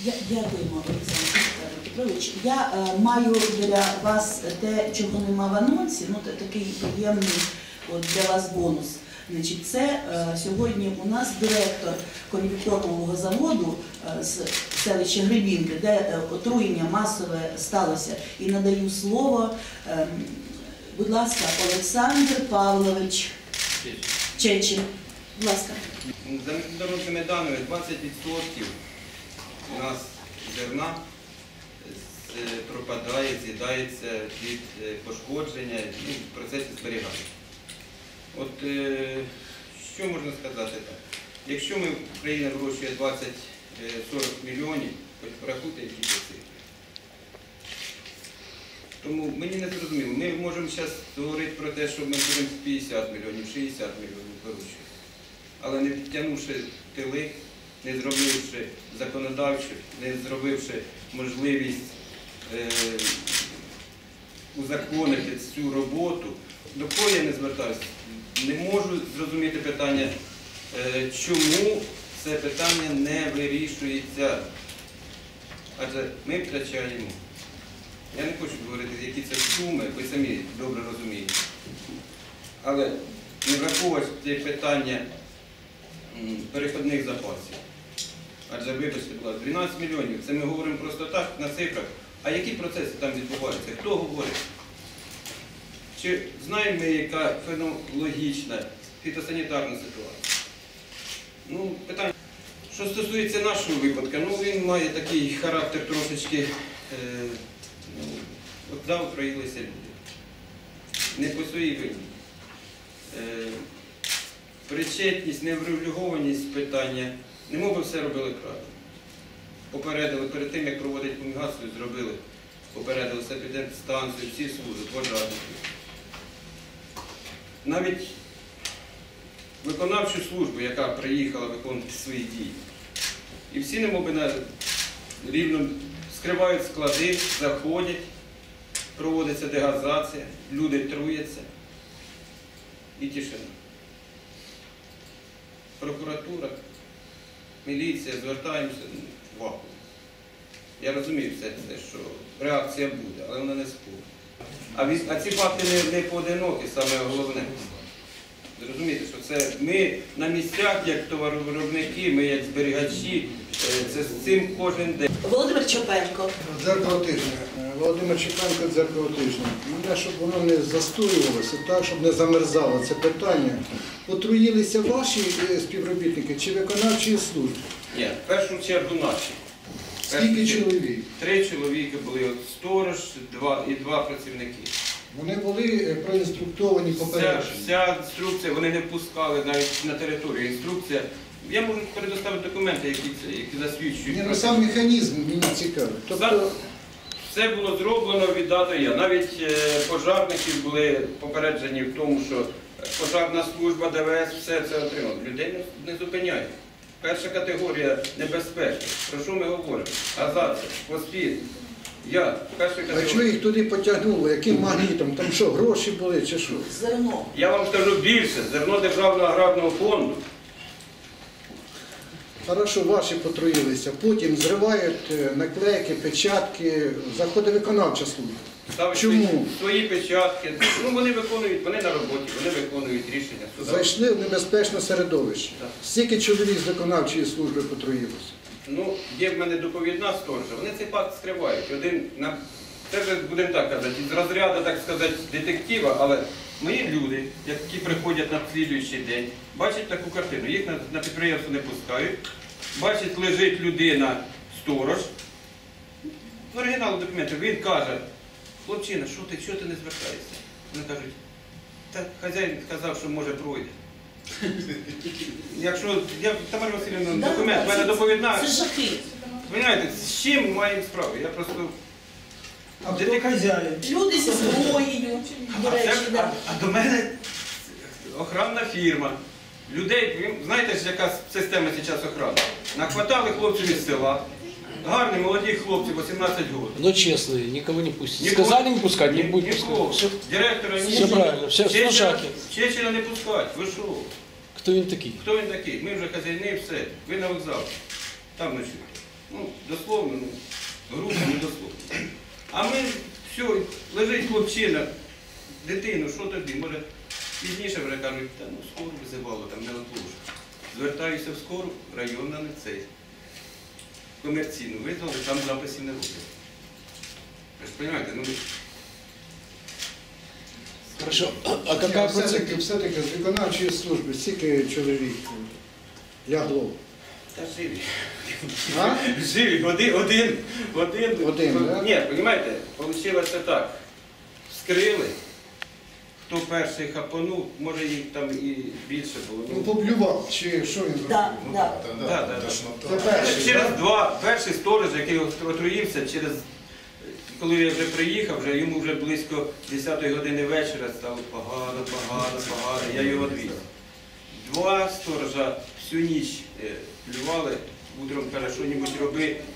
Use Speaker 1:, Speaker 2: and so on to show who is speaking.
Speaker 1: Дякуємо, Олександр Петрович. Я маю для вас те, чого нема в анонсі, такий приємний для вас бонус. Значить, це сьогодні у нас директор конвікторного заводу з селища Гребінки, де отруєння масове сталося. І надаю слово, будь ласка, Олександр Павлович Чечин. Будь ласка.
Speaker 2: За міжнародними даними 20% у нас зерна пропадає, з'їдається від пошкодження і в процесі зберігання. От що можна сказати так? Якщо Україна вирощує 20-40 мільйонів, хоч порахуйте, які це цифри. Тому мені не зрозуміло. Ми можемо зараз говорити про те, що ми будемо 50 мільйонів, 60 мільйонів вирощувати. Але не підтягнувши тили, не зробивши законодавчу, не зробивши можливість узаконити цю роботу, до кого я не звертаюся, не можу зрозуміти питання, чому це питання не вирішується. Адже ми втрачаємо. Я не хочу говорити, які це суми, ви самі добре розумієте. Але не враховувати питання переходних запасів. Адже, вибачте, будь ласка, 12 мільйонів, це ми говоримо просто так, на цифрах. А які процеси там відбуваються? Хто говорить? Чи знаємо ми, яка фенологічна, фітосанітарна ситуація? Питання. Що стосується нашого випадку, він має такий характер трошечки, отруїлися люди. Не по своїй вині. Причетність, неврегульованість питання, немов би все робили правильно. Попередили перед тим, як проводити фумігацію, зробили. Попередили санепідемстанцію, всі служби, пожежники. Навіть виконавчу службу, яка приїхала виконувати свої дії. І всі немов би рівно скривають склади, заходять, проводиться дегазація, люди труяться і тишина. Прокуратура, міліція, звертаємося в вакуум. Я розумію все це, що реакція буде, але вона не скоро. А ці факти не поодинокі, саме головне. Зрозумієте, що це ми на місцях, як товаровиробники, ми як зберігачі, це з цим кожен день.
Speaker 1: Володимир Чопенко.
Speaker 3: Дзеркало тижня. Володимир Чопенко, дзеркало тижня. Мене, щоб воно не застоювалося, так, щоб не замерзало це питання. Отруїлися ваші співробітники чи виконавчі служби?
Speaker 2: Ні, в першу чергу наші.
Speaker 3: Скільки чоловік?
Speaker 2: 3 чоловіки були, сторож і 2 працівники.
Speaker 3: Вони були проінструктовані попереджені?
Speaker 2: Вся інструкція, вони не впускали навіть на територію. Інструкція, я можу предоставити документи, які засвідчують.
Speaker 3: Сам механізм мені цікавий. Тобто...
Speaker 2: Все було зроблено від А до Я. Навіть пожарники були попереджені в тому, що пожарна служба, ДВС, все це отримало. Людей не зупиняють. Перша категорія небезпечна. Про що ми говоримо? Азація, поспіль. Перша категорія.
Speaker 3: А чого їх туди потягнуло? Яким магнітом? Там що, гроші були чи що?
Speaker 1: Зерно.
Speaker 2: Я вам скажу більше. Зерно Державного аграрного фонду.
Speaker 3: Хорошо, ваші потруїлися. Потім зривають наклейки, печатки, заходить виконавча служба.
Speaker 2: Ставить
Speaker 3: Чому?
Speaker 2: Свої печатки. Вони виконують, вони на роботі, вони виконують рішення суда.
Speaker 3: Зайшли в небезпечне середовище.
Speaker 2: Так.
Speaker 3: Скільки чоловік з виконавчої служби потруїлося?
Speaker 2: Є в мене доповідна сторожа, вони цей факт скривають. Це вже, будемо так казати, з розряду, так сказати, детектива, але мої люди, які приходять на слідуючий день, бачать таку картину. Їх на підприємство не пускають, бачать, лежить людина, сторож. В оригіналу документів він каже: хлопчина, що ти не звертаєшся? Вони кажуть: та хазяїн сказав, що може пройде. Якщо, Тамара Васильівна, документ, в мене доповідна.
Speaker 1: Це жахи.
Speaker 2: Понимаєте, з чим ми маємо справу? Я просто...
Speaker 3: А хто хазяїн?
Speaker 1: Люди зі зброєю, до речі, так.
Speaker 2: А до мене охоронна фірма. Людей, знаєте, яка система зараз охорони? Нахватали хлопців із села. Гарні, молоді хлопці, 18 років.
Speaker 4: Но честные, никого не пустят. Сказали не пускать, не будут пускать.
Speaker 2: Директора не
Speaker 4: Все правильно, все в шаге.
Speaker 2: Чечена не пускать, ви що?
Speaker 4: Кто він такий?
Speaker 2: Хто він такий? Ми вже хазяїни, все. Ви на вокзал. Там ночуєте. Ну, дословно, грубо, не дословно. А ми, все, лежить хлопчина, дитину, що тоді? Може, пізніше вже кажуть, та ну скору визивало, там неотложно. Звертаюся в скору, районна не цей. Комерційну визвали, там записів не роблять. Ви ж розумієте, ну...
Speaker 4: Хорошо. А какая процедура?
Speaker 3: Все-таки з виконавчої служби стільки чоловік лягло.
Speaker 2: Та живі.
Speaker 3: А?
Speaker 2: Живі, один.
Speaker 3: Один, да?
Speaker 2: Ні, розумієте, вийшло так. Вскрили, хто перший хапанув, може їх там і більше було.
Speaker 3: Ну, поблював, чи що він зробив?
Speaker 1: Да, да.
Speaker 2: Да.
Speaker 3: Це перший,
Speaker 2: Через
Speaker 3: да?
Speaker 2: два, перший сторож, який отруївся, коли я вже приїхав, йому вже близько 10-ї години вечора стало погано, я його відвіз. Два сторожа всю ніч плювали, утром каже, що-небудь роби,